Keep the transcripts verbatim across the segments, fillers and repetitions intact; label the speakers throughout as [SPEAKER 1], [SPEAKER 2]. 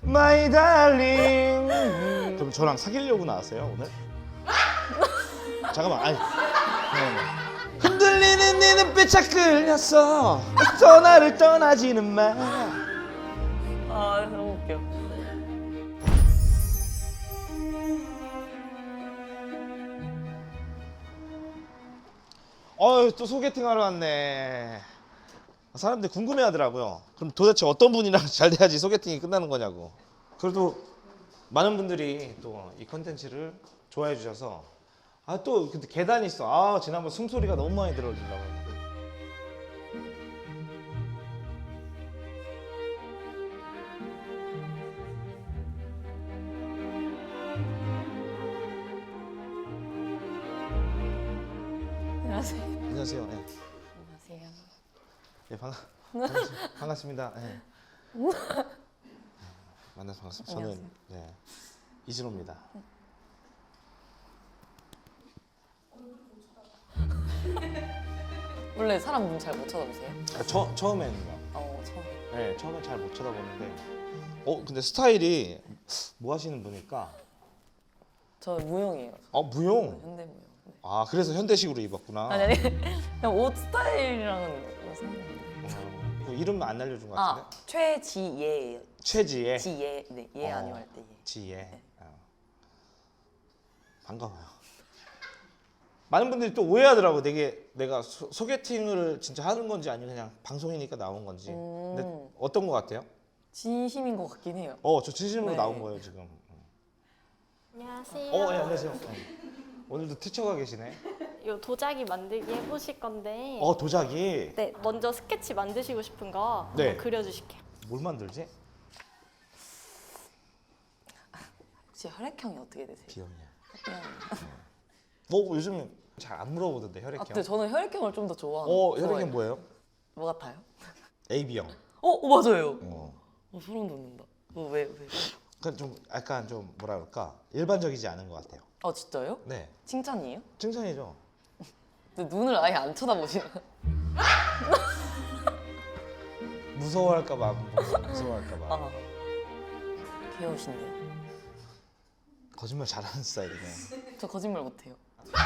[SPEAKER 1] My darling. 그럼 저랑 사귀려고 나왔어요 오늘? 잠깐만. 아니. 네. 흔들리는 네 눈빛에 끌렸어. 또 나를 떠나지는 마.
[SPEAKER 2] 아 너무 웃겨.
[SPEAKER 1] 어휴, 또 소개팅 하러 왔네. 사람들이 궁금해하더라고요. 그럼 도대체 어떤 분이랑 잘 돼야지 소개팅이 끝나는 거냐고. 그래도 많은 분들이 또 이 컨텐츠를 좋아해 주셔서 아 또 근데 계단이 있어. 아 지난번 숨소리가 너무 많이 들어오더라고요.
[SPEAKER 2] 안녕하세요.
[SPEAKER 1] 안녕하세요. 네.
[SPEAKER 2] 안녕하세요.
[SPEAKER 1] 네, 반가, 반갑, 반갑습니다. 네. 만나서 반갑습니다. 저는
[SPEAKER 2] 안녕하세요.
[SPEAKER 1] 네, 이진호입니다.
[SPEAKER 2] 원래 사람 눈 잘 못 쳐다보세요?
[SPEAKER 1] 아, 처, 처음에는요.
[SPEAKER 2] 어 처음에.
[SPEAKER 1] 네, 처음엔 잘 못 쳐다보는데 어 근데 스타일이 뭐 하시는 분일까?
[SPEAKER 2] 저 무용이에요.
[SPEAKER 1] 어 무용.
[SPEAKER 2] 현대 무용. 네.
[SPEAKER 1] 아 그래서 현대식으로 입었구나.
[SPEAKER 2] 아니 아니 그냥 옷 스타일이랑은 뭐 상관없는데.
[SPEAKER 1] 어, 그 이름 안 알려준 것
[SPEAKER 2] 아
[SPEAKER 1] 같은데?
[SPEAKER 2] 최지예예요.
[SPEAKER 1] 최지혜.
[SPEAKER 2] 지예 네예
[SPEAKER 1] 어.
[SPEAKER 2] 아니면 할 때 예.
[SPEAKER 1] 지혜.
[SPEAKER 2] 네.
[SPEAKER 1] 어. 반가워요. 많은 분들이 또 오해하더라고. 되게 내가 소, 소개팅을 진짜 하는 건지 아니면 그냥 방송이니까 나온 건지.
[SPEAKER 2] 음.
[SPEAKER 1] 근데 어떤 것 같아요?
[SPEAKER 2] 진심인 것 같긴 해요.
[SPEAKER 1] 어, 저 진심으로
[SPEAKER 2] 네.
[SPEAKER 1] 나온 거예요 지금.
[SPEAKER 3] 안녕하세요.
[SPEAKER 1] 어, 예, 안녕하세요. 네. 오늘도 티처가 계시네.
[SPEAKER 3] 요 도자기 만들기 해보실 건데
[SPEAKER 1] 어, 도자기.
[SPEAKER 3] 네, 먼저 스케치 만드시고 싶은 거
[SPEAKER 1] 네.
[SPEAKER 3] 한번 그려주실게요.
[SPEAKER 1] 뭘 만들지?
[SPEAKER 2] 혹시 혈액형이 어떻게 되세요?
[SPEAKER 1] 비염이야.
[SPEAKER 2] 그냥
[SPEAKER 1] 뭐 요즘 잘 안 물어보던데 혈액형.
[SPEAKER 2] 아, 근데 저는 혈액형을 좀 더 좋아하는.
[SPEAKER 1] 어,
[SPEAKER 2] 좋아해요.
[SPEAKER 1] 혈액형 뭐예요?
[SPEAKER 2] 뭐 같아요?
[SPEAKER 1] 에이비형.
[SPEAKER 2] 어, 어 맞아요.
[SPEAKER 1] 어.
[SPEAKER 2] 어, 소름 돋는다. 뭐 왜 왜?
[SPEAKER 1] 그러니까 좀 약간 좀 뭐라 그럴까? 일반적이지 않은 것 같아요.
[SPEAKER 2] 아 진짜요?
[SPEAKER 1] 네.
[SPEAKER 2] 칭찬이에요?
[SPEAKER 1] 칭찬이죠.
[SPEAKER 2] 근데 눈을 아예 안 쳐다보시는.
[SPEAKER 1] 무서워할까봐 안 보고 무서워할까봐.
[SPEAKER 2] 아 귀여우신데요.
[SPEAKER 1] 거짓말 잘하는 스타일이네.
[SPEAKER 2] 저 거짓말 못해요.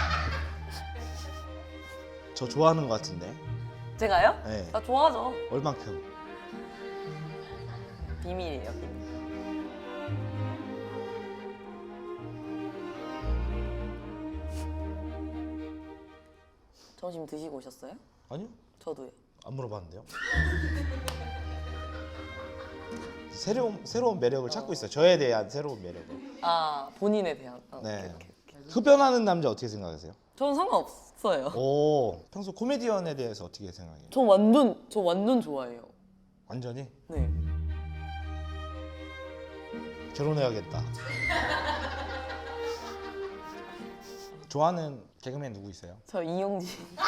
[SPEAKER 1] 저 좋아하는 것 같은데.
[SPEAKER 2] 제가요?
[SPEAKER 1] 네.
[SPEAKER 2] 나 좋아하죠.
[SPEAKER 1] 얼만큼?
[SPEAKER 2] 비밀이에요, 비밀. 점심 드시고 오셨어요?
[SPEAKER 1] 아니요.
[SPEAKER 2] 저도요.
[SPEAKER 1] 안 물어봤는데요. 새로운 새로운 매력을 찾고 있어요. 저에 대한 새로운 매력을.
[SPEAKER 2] 아 본인에 대한. 어,
[SPEAKER 1] 네.
[SPEAKER 2] 오케이, 오케이, 오케이.
[SPEAKER 1] 흡연하는 남자 어떻게 생각하세요?
[SPEAKER 2] 저는 상관없어요.
[SPEAKER 1] 오, 평소 코미디언에 대해서 어떻게 생각해요?
[SPEAKER 2] 저 완전 저 완전 좋아해요.
[SPEAKER 1] 완전히
[SPEAKER 2] 네.
[SPEAKER 1] 결혼해야겠다. 좋아하는 개그맨 누구 있어요?
[SPEAKER 2] 저 이용진.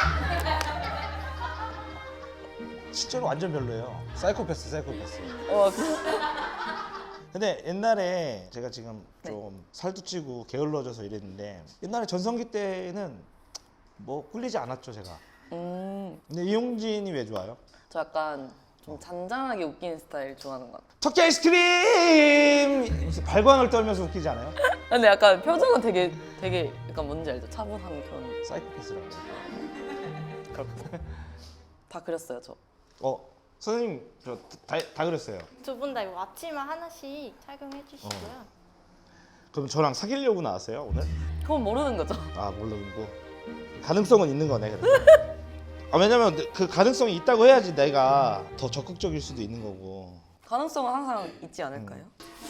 [SPEAKER 1] 실제로 완전 별로예요. 사이코패스, 사이코패스.
[SPEAKER 2] 어, 그-
[SPEAKER 1] 근데 옛날에 제가 지금
[SPEAKER 2] 네.
[SPEAKER 1] 좀 살도 찌고 게을러져서 이랬는데 옛날에 전성기 때는 뭐 꿀리지 않았죠 제가.
[SPEAKER 2] 음,
[SPEAKER 1] 근데 이용진이 왜 좋아요?
[SPEAKER 2] 저 약간 좀 잔잔하게 웃기는 스타일 좋아하는 것 같아요.
[SPEAKER 1] 터키 아이스크림! 무슨 발광을 떨면서 웃기지 않아요?
[SPEAKER 2] 근데 약간 표정은 되게 되게 약간 뭔지 알죠? 차분한 그런.
[SPEAKER 1] 사이코패스라고.
[SPEAKER 2] 그렇구나. 다 그렸어요 저.
[SPEAKER 1] 어 선생님 저 다 다 그랬어요.
[SPEAKER 3] 두 분 다 이거 앞치마 하나씩 착용해 주시고요.
[SPEAKER 1] 그럼 저랑 사귀려고 나왔어요 오늘?
[SPEAKER 2] 그건 모르는 거죠.
[SPEAKER 1] 아 모르고 가능성은 있는 거네. 그래도. 아 왜냐면 그 가능성이 있다고 해야지 내가 더 적극적일 수도 있는 거고.
[SPEAKER 2] 가능성은 항상 있지 않을까요?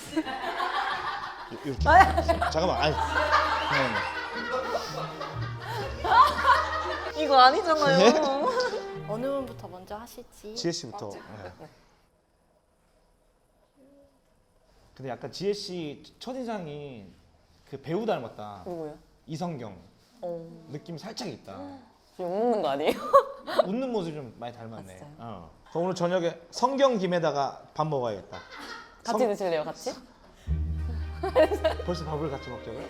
[SPEAKER 1] 요- 이렇게. 잠깐만. 아니. 네.
[SPEAKER 2] 이거 아니잖아요.
[SPEAKER 3] 어느 분부터 먼저 하실지.
[SPEAKER 1] 지혜 씨부터. 네. 근데 약간 지혜 씨 첫인상이 그 배우 닮았다.
[SPEAKER 2] 누구요?
[SPEAKER 1] 이성경
[SPEAKER 2] 어,
[SPEAKER 1] 느낌이 살짝 있다.
[SPEAKER 2] 저 욕먹는 거 아니에요?
[SPEAKER 1] 웃는 모습이 좀 많이 닮았네.
[SPEAKER 2] 아, 진짜요?
[SPEAKER 1] 어. 그럼 오늘 저녁에 성경 김에다가 밥 먹어야겠다.
[SPEAKER 2] 같이
[SPEAKER 1] 성-
[SPEAKER 2] 드실래요, 같이?
[SPEAKER 1] 벌써 밥을 같이 먹자고요?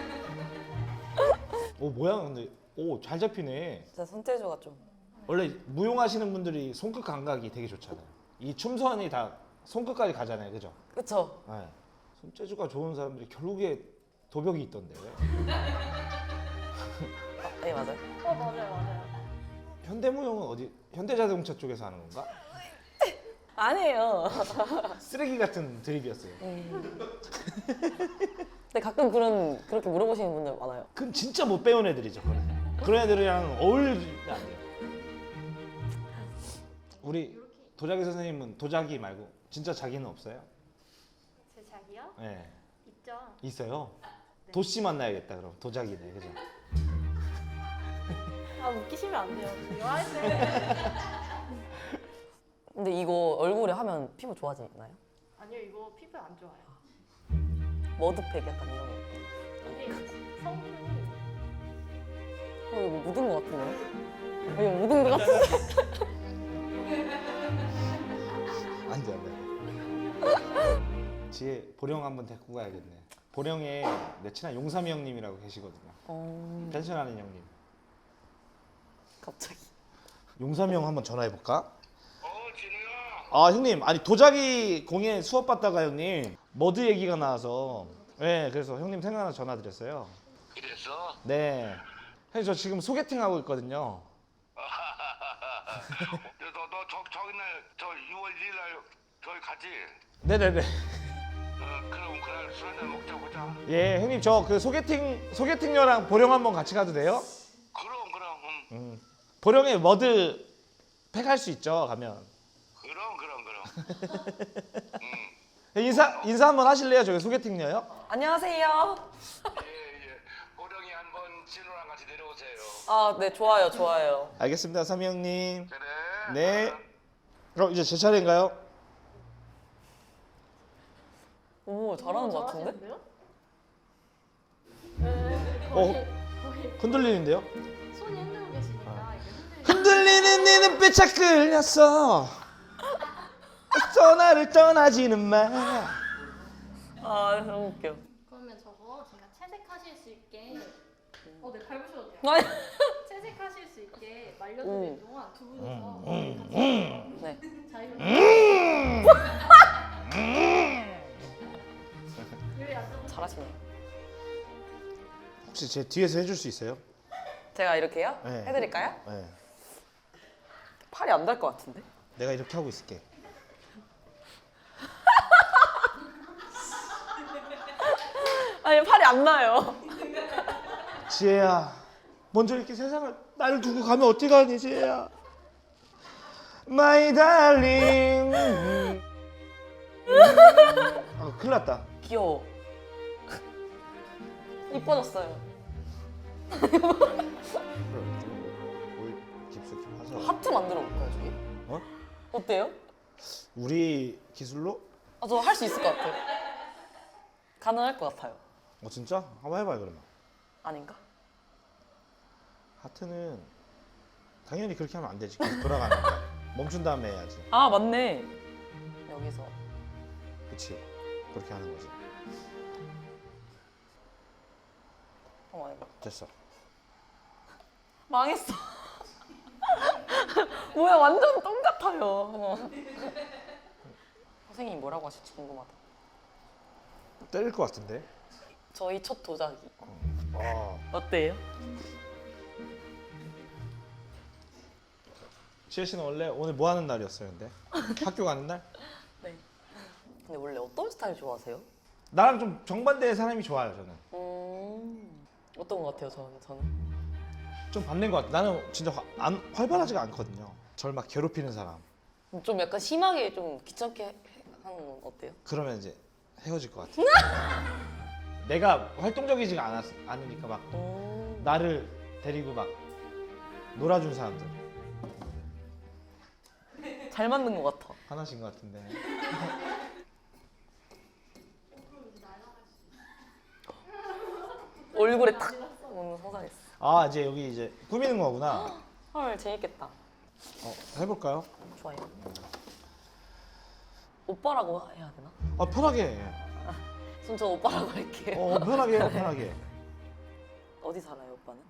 [SPEAKER 1] 오 뭐야 근데 오 잘 잡히네.
[SPEAKER 2] 진짜 손재주가 좀.
[SPEAKER 1] 원래 무용하시는 분들이 손끝 감각이 되게 좋잖아요. 이 춤선이 다 손끝까지 가잖아요, 그죠?
[SPEAKER 2] 그쵸?
[SPEAKER 1] 네. 손재주가 좋은 사람들이 결국에 도벽이 있던데.
[SPEAKER 2] 아, 네 맞아요.
[SPEAKER 3] 어 맞아요 맞아요.
[SPEAKER 1] 현대무용은 어디? 현대자동차 쪽에서 하는 건가?
[SPEAKER 2] 아니에요.
[SPEAKER 1] 쓰레기 같은 드립이었어요.
[SPEAKER 2] 근데 가끔 그런 그렇게 물어보시는 분들 많아요.
[SPEAKER 1] 그건 진짜 못 배운 애들이죠. 그런, 그런 애들이랑 어울리면 안 돼요. 우리 도자기 선생님은 도자기 말고 진짜 자기는 없어요?
[SPEAKER 3] 제 자기요?
[SPEAKER 1] 네.
[SPEAKER 3] 있죠.
[SPEAKER 1] 있어요. 도씨 만나야겠다 그럼 도자기네, 그죠?
[SPEAKER 3] 아 웃기시면 안 돼요. 대화할 때.
[SPEAKER 2] 근데 이거 얼굴에 하면 피부 좋아지나요?
[SPEAKER 3] 아니요 이거 피부 안 좋아요.
[SPEAKER 2] 머드팩 약간 이런 거.
[SPEAKER 3] 이게 성분이
[SPEAKER 2] 어, 이거 묻은 거 같은데? 어, 이거 묻은 거 같은데?
[SPEAKER 1] 안 돼, 안 돼. 뒤에 보령 한번 데리고 가야겠네. 보령에 내 친한 용삼이 형님이라고 계시거든요.
[SPEAKER 2] 어...
[SPEAKER 1] 펜션하는 형님.
[SPEAKER 2] 갑자기.
[SPEAKER 1] 용삼이 형 한번 전화해 볼까?
[SPEAKER 4] 어, 진우야.
[SPEAKER 1] 아 형님, 아니 도자기 공예 수업 받다가 형님 머드 얘기가 나와서 네, 그래서 형님 생각나 전화 드렸어요.
[SPEAKER 4] 그랬어?
[SPEAKER 1] 네. 형님 저 지금 소개팅 하고 있거든요.
[SPEAKER 4] 너, 너 저, 저기 날, 저 유월 일일 날 저기 가지?
[SPEAKER 1] 네네네.
[SPEAKER 4] 어, 그럼 그날 술 한잔 먹자 보자.
[SPEAKER 1] 예, 형님 저 그 소개팅 소개팅녀랑 보령 한번 같이 가도 돼요?
[SPEAKER 4] 그럼, 그럼, 음.
[SPEAKER 1] 음. 보령에 머드 팩 할 수 있죠 가면.
[SPEAKER 4] 그럼, 그럼, 그럼. 음.
[SPEAKER 1] 인사 인사 한번 하실래요? 저기 소개팅녀요?
[SPEAKER 2] 안녕하세요.
[SPEAKER 4] 예, 예. 보령이 한번 진우랑 같이 내려오세요.
[SPEAKER 2] 아, 네, 좋아요, 좋아요.
[SPEAKER 1] 알겠습니다, 삼이 형님.
[SPEAKER 4] 그래.
[SPEAKER 1] 네.
[SPEAKER 4] 어.
[SPEAKER 1] 그럼 이제 제 차례인가요?
[SPEAKER 2] 오, 잘하는 것 같은데?
[SPEAKER 3] 잘하시는데요? 네,
[SPEAKER 1] 어.
[SPEAKER 3] 거의, 거의
[SPEAKER 1] 흔들리는데요?
[SPEAKER 3] 손이 흔들고 계시니까
[SPEAKER 1] 아.
[SPEAKER 3] 이게 흔들리.
[SPEAKER 1] 흔들리는 네 눈빛에 끌렸어. 떠나를 떠나지는 마.
[SPEAKER 2] 아, 너무 웃겨.
[SPEAKER 3] 그러면 저거 제가 채색하실 수 있게. 어, 네 밟으셔도 돼요.
[SPEAKER 2] 아니.
[SPEAKER 3] 채색하실 수 있게
[SPEAKER 2] 음.
[SPEAKER 3] 말려드릴 동안 두 분이서
[SPEAKER 2] 네.
[SPEAKER 3] 자유롭게 요리 안 좀.
[SPEAKER 2] 잘하시네요.
[SPEAKER 1] 혹시 제 뒤에서 해줄 수 있어요?
[SPEAKER 2] 제가 이렇게요?
[SPEAKER 1] 네.
[SPEAKER 2] 해드릴까요?
[SPEAKER 1] 네.
[SPEAKER 2] 팔이 안 달 것 같은데?
[SPEAKER 1] 내가 이렇게 하고 있을게.
[SPEAKER 2] 아니, 팔이 안 나요.
[SPEAKER 1] 지혜야, 먼저 이렇게 세상을 나를 두고 가면 어떻게 가니, 지혜야? My darling. 아, 큰일 났다.
[SPEAKER 2] 귀여워. 이뻐졌어요.
[SPEAKER 1] 뭘 깊숙이 하자.
[SPEAKER 2] 하트 만들어 볼까요, 저기?
[SPEAKER 1] 어?
[SPEAKER 2] 어때요?
[SPEAKER 1] 우리 기술로?
[SPEAKER 2] 아, 저 할 수 있을 것 같아요. 가능할 것 같아요.
[SPEAKER 1] 어 진짜? 한번 해봐요 그러면.
[SPEAKER 2] 아닌가?
[SPEAKER 1] 하트는 당연히 그렇게 하면 안 되지. 계속 돌아가는 거야. 멈춘 다음에 해야지.
[SPEAKER 2] 아, 맞네. 여기서.
[SPEAKER 1] 그치? 그렇게 하는 거지.
[SPEAKER 2] 어, 이거.
[SPEAKER 1] 됐어.
[SPEAKER 2] 망했어. 뭐야, 완전 똥 같아요. 선생님이 뭐라고 하실지 궁금하다.
[SPEAKER 1] 때릴 것 같은데?
[SPEAKER 2] 저희 첫 도자기.
[SPEAKER 1] 아,
[SPEAKER 2] 어때요?
[SPEAKER 1] 지혜 씨는 원래 오늘 뭐 하는 날이었어요, 근데? 학교 가는 날?
[SPEAKER 2] 네. 근데 원래 어떤 스타일 좋아하세요?
[SPEAKER 1] 나랑 좀 정반대의 사람이 좋아요, 저는.
[SPEAKER 2] 음, 어떤 것 같아요, 저는? 저는?
[SPEAKER 1] 좀 반대인 것 같아. 나는 진짜 화, 안, 활발하지가 않거든요. 절 막 괴롭히는 사람.
[SPEAKER 2] 좀 약간 심하게 좀 귀찮게 해- 하는 건 어때요?
[SPEAKER 1] 그러면 이제 헤어질 것 같아. 내가 활동적이지가 않았, 않으니까 막
[SPEAKER 2] 음,
[SPEAKER 1] 나를 데리고 막 놀아준 사람들
[SPEAKER 2] 잘 맞는 것 같아.
[SPEAKER 1] 하나신 것 같은데.
[SPEAKER 2] 얼굴에 탁 오는 상상했어.
[SPEAKER 1] 아 이제 여기 이제 꾸미는 거구나.
[SPEAKER 2] 헐, 재밌겠다.
[SPEAKER 1] 어, 해볼까요?
[SPEAKER 2] 좋아요. 오빠라고 해야 되나?
[SPEAKER 1] 아 편하게. 해.
[SPEAKER 2] 그럼 저 오빠라고 할게요.
[SPEAKER 1] 어 편하게 해요, 편하게.
[SPEAKER 2] 어디 살아요, 오빠는?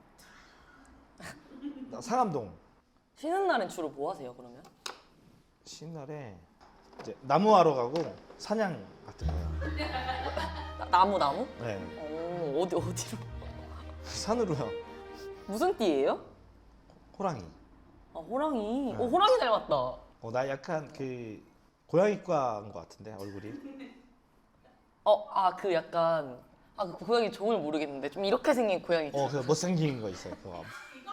[SPEAKER 1] 나 상암동.
[SPEAKER 2] 쉬는 날엔 주로 뭐 하세요, 그러면?
[SPEAKER 1] 쉬는 날에 이제 나무하러 가고 사냥 같은 거예요.
[SPEAKER 2] 나- 나무 나무?
[SPEAKER 1] 네.
[SPEAKER 2] 오 어디 어디로?
[SPEAKER 1] 산으로요.
[SPEAKER 2] 무슨 띠예요?
[SPEAKER 1] 호랑이.
[SPEAKER 2] 아 호랑이.
[SPEAKER 1] 네.
[SPEAKER 2] 오 호랑이 닮았다.
[SPEAKER 1] 어, 나 약간 그 고양이과인 것 같은데 얼굴이.
[SPEAKER 2] 어 아 그 약간 아 그 고양이 종을 모르겠는데 좀 이렇게 생긴 고양이.
[SPEAKER 1] 어, 그 못생긴 거 있어요. 그거.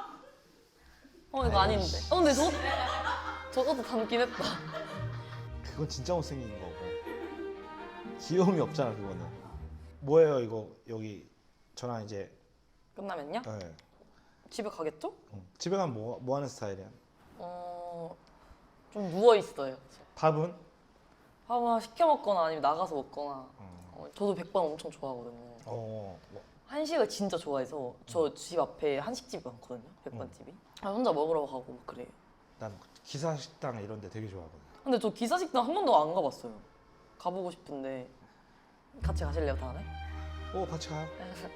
[SPEAKER 2] 어 이거 아닌데. 어 근데 저 저것도 닮긴 했다.
[SPEAKER 1] 그건 진짜 못생긴 거고. 귀여움이 없잖아 그거는. 뭐예요 이거 여기 저랑 이제.
[SPEAKER 2] 끝나면요?
[SPEAKER 1] 네.
[SPEAKER 2] 집에 가겠죠?
[SPEAKER 1] 응. 집에 가면 뭐, 뭐 하는 스타일이야?
[SPEAKER 2] 어좀 누워 있어요.
[SPEAKER 1] 밥은?
[SPEAKER 2] 밥을 시켜 먹거나 아니면 나가서 먹거나.
[SPEAKER 1] 음.
[SPEAKER 2] 어, 저도 백반 엄청 좋아하거든요.
[SPEAKER 1] 어, 뭐,
[SPEAKER 2] 한식을 진짜 좋아해서 저 집 앞에 한식집이 많거든요. 백반집이. 아, 혼자 먹으러 가고 막 그래요.
[SPEAKER 1] 난 기사 식당 이런 데 되게 좋아하거든.
[SPEAKER 2] 근데 저 기사식당 한 번도 안 가봤어요. 가보고 싶은데 같이 가실래요 다음에?
[SPEAKER 1] 오, 같이 가요.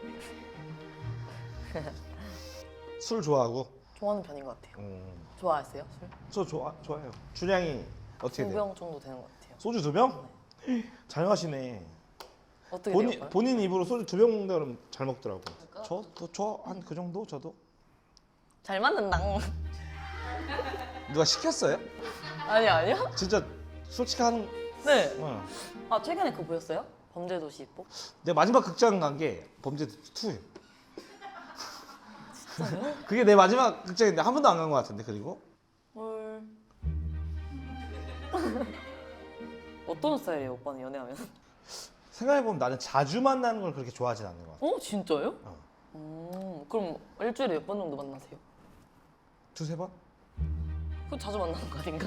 [SPEAKER 1] 술 좋아하고.
[SPEAKER 2] 좋아하는 편인 것 같아요.
[SPEAKER 1] 음,
[SPEAKER 2] 좋아하세요 술?
[SPEAKER 1] 저 좋아 좋아해요. 주량이 어떻게
[SPEAKER 2] 두
[SPEAKER 1] 돼요?
[SPEAKER 2] 병 정도 되는 것 같아요.
[SPEAKER 1] 소주 두 병? 잘 마시네.
[SPEAKER 2] 어떻게
[SPEAKER 1] 본인
[SPEAKER 2] 돼요?
[SPEAKER 1] 본인 입으로 소주 두 병 먹는다 그러면 잘 먹더라고. 저저한 그 정도 저도.
[SPEAKER 2] 잘 맞는다.
[SPEAKER 1] 누가 시켰어요?
[SPEAKER 2] 아니 아니요?
[SPEAKER 1] 진짜 솔직히 하는.
[SPEAKER 2] 네.
[SPEAKER 1] 어.
[SPEAKER 2] 아 최근에 그거 보셨어요? 범죄도시 보?
[SPEAKER 1] 내 마지막 극장 간 게 범죄 투예요. 그게 내 마지막 극장인데 한 번도 안 간 것 같은데 그리고.
[SPEAKER 2] 헐. 어떤 스타일이에요 오빠는 연애하면?
[SPEAKER 1] 생각해보면 나는 자주 만나는 걸 그렇게 좋아하진 않는 것 같아.
[SPEAKER 2] 어 진짜요?
[SPEAKER 1] 어.
[SPEAKER 2] 음 그럼 일주일에 몇 번 정도 만나세요?
[SPEAKER 1] 두세 번?
[SPEAKER 2] 그거 자주 만나는 거 아닌가?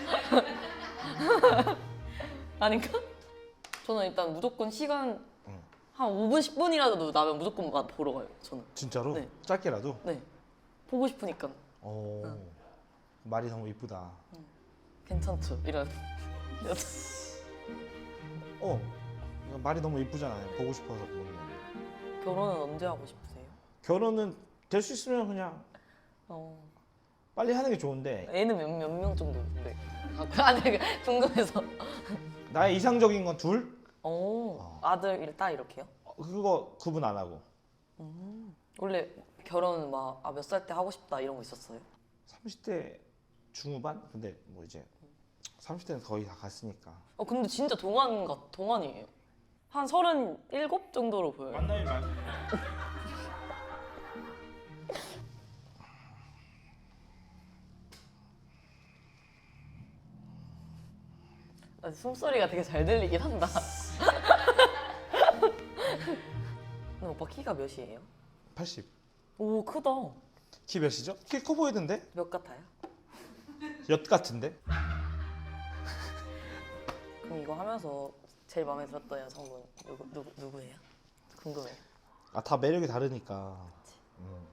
[SPEAKER 2] 아닌가? 저는 일단 무조건 시간
[SPEAKER 1] 응.
[SPEAKER 2] 한 오 분, 십 분이라도 나면 무조건 마- 보러 가요 저는.
[SPEAKER 1] 진짜로?
[SPEAKER 2] 네.
[SPEAKER 1] 짧게라도?
[SPEAKER 2] 네. 보고 싶으니까
[SPEAKER 1] 오.
[SPEAKER 2] 응.
[SPEAKER 1] 말이 너무 이쁘다.
[SPEAKER 2] 괜찮죠 이런.
[SPEAKER 1] 어. 이거 말이 너무 이쁘잖아요. 보고 싶어서 보는 거.
[SPEAKER 2] 결혼은 언제 하고 싶으세요?
[SPEAKER 1] 결혼은 될 수 있으면 그냥
[SPEAKER 2] 어.
[SPEAKER 1] 빨리 하는 게 좋은데
[SPEAKER 2] 애는 몇 몇 명 정도 있는데? 아, 아니 궁금해서.
[SPEAKER 1] 나의 이상적인 건 둘?
[SPEAKER 2] 오
[SPEAKER 1] 어.
[SPEAKER 2] 아들, 일, 딸 이렇게요?
[SPEAKER 1] 어, 그거 구분 안 하고.
[SPEAKER 2] 원래 결혼 막 아, 몇 살 때 하고 싶다 이런 거 있었어요?
[SPEAKER 1] 삼십 대 중후반? 근데 뭐 이제 삼십 대는 거의 다 갔으니까.
[SPEAKER 2] 어 근데 진짜 동안 같 동안이에요. 한 서른일곱 정도로 보여요.
[SPEAKER 1] 만나요, 만.
[SPEAKER 2] 아, 숨소리가 되게 잘 들리긴 한다. 근데 오빠 키가 몇이에요?
[SPEAKER 1] 팔십.
[SPEAKER 2] 오 크다.
[SPEAKER 1] 키 몇이죠? 키 커 보이던데?
[SPEAKER 2] 몇 같아요?
[SPEAKER 1] 엿 같은데?
[SPEAKER 2] 그럼 이거 하면서 제일 마음에 들었던 여성분 누구, 누구, 누구예요? 궁금해요.
[SPEAKER 1] 아, 다 매력이 다르니까. 음.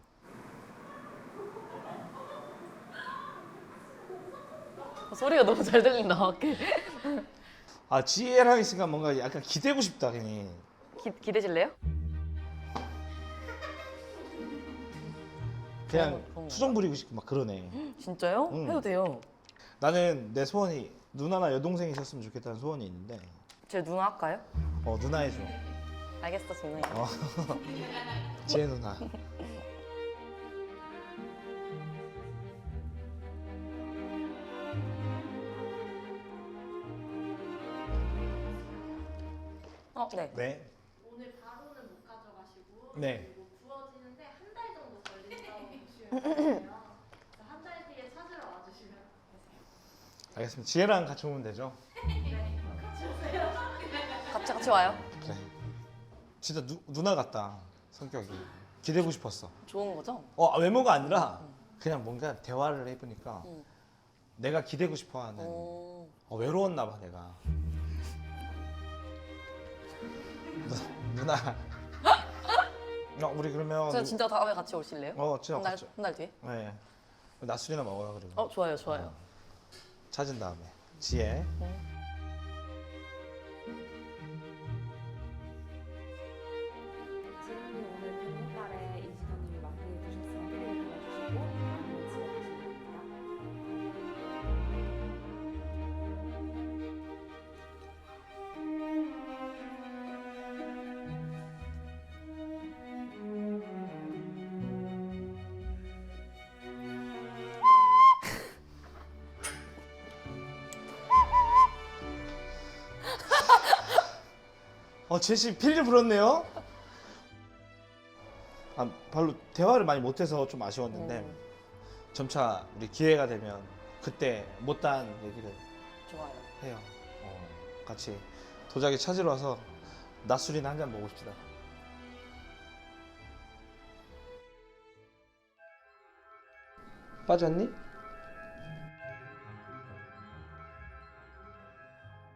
[SPEAKER 2] 어, 소리가 너무 잘 들린다 밖에.
[SPEAKER 1] 아, 지혜랑 있으니까 뭔가 약간 기대고 싶다 괜히.
[SPEAKER 2] 기, 기대실래요?
[SPEAKER 1] 그냥
[SPEAKER 2] 그런 건가?
[SPEAKER 1] 수정 부리고 싶고 막 그러네.
[SPEAKER 2] 진짜요?
[SPEAKER 1] 응.
[SPEAKER 2] 해도 돼요.
[SPEAKER 1] 나는 내 소원이 누나나 여동생이 있었으면 좋겠다는 소원이 있는데
[SPEAKER 2] 제 누나 할까요?
[SPEAKER 1] 어 누나 해줘.
[SPEAKER 2] 알겠어 누나.
[SPEAKER 1] 어. 지혜 누나.
[SPEAKER 2] 어 네.
[SPEAKER 1] 네.
[SPEAKER 3] 오늘 바로는 못 가져가시고
[SPEAKER 1] 네.
[SPEAKER 3] 그리고 구워지는데 한 달 정도 걸린다고 보시면 되세요. 한 달 뒤에 찾으러 와주시면 되세요.
[SPEAKER 1] 알겠습니다. 지혜랑 같이 오면 되죠?
[SPEAKER 2] 같이 같이 와요.
[SPEAKER 1] 그래. 진짜 누, 누나 같다 성격이. 기대고 싶었어.
[SPEAKER 2] 좋은 거죠?
[SPEAKER 1] 어 외모가 아니라 그냥 뭔가 대화를 해보니까
[SPEAKER 2] 응.
[SPEAKER 1] 내가 기대고 싶어하는.
[SPEAKER 2] 어...
[SPEAKER 1] 어, 외로웠나 봐 내가. 누, 누나. 어, 우리 그러면.
[SPEAKER 2] 저 진짜 다음에 같이 오실래요?
[SPEAKER 1] 어 진짜
[SPEAKER 2] 한 달
[SPEAKER 1] 같이.
[SPEAKER 2] 한 달 뒤에?
[SPEAKER 1] 네. 낮술이나 먹어요 그리고.
[SPEAKER 2] 어 좋아요 좋아요.
[SPEAKER 1] 찾은 다음에 지혜.
[SPEAKER 5] 지은님 오늘 백목달에 이진호님이 마무리해 주셨으면 피리를 불러주시고 아니면 집에 가시면 됩니다.
[SPEAKER 1] 어, 제시 필리 불었네요. 아, 별로 대화를 많이 못해서 좀 아쉬웠는데
[SPEAKER 2] 음.
[SPEAKER 1] 점차 우리 기회가 되면 그때 못다한 얘기를
[SPEAKER 2] 좋아요.
[SPEAKER 1] 해요. 어, 같이 도자기 찾으러 와서 낮술이나 한 잔 먹읍시다. 빠졌니?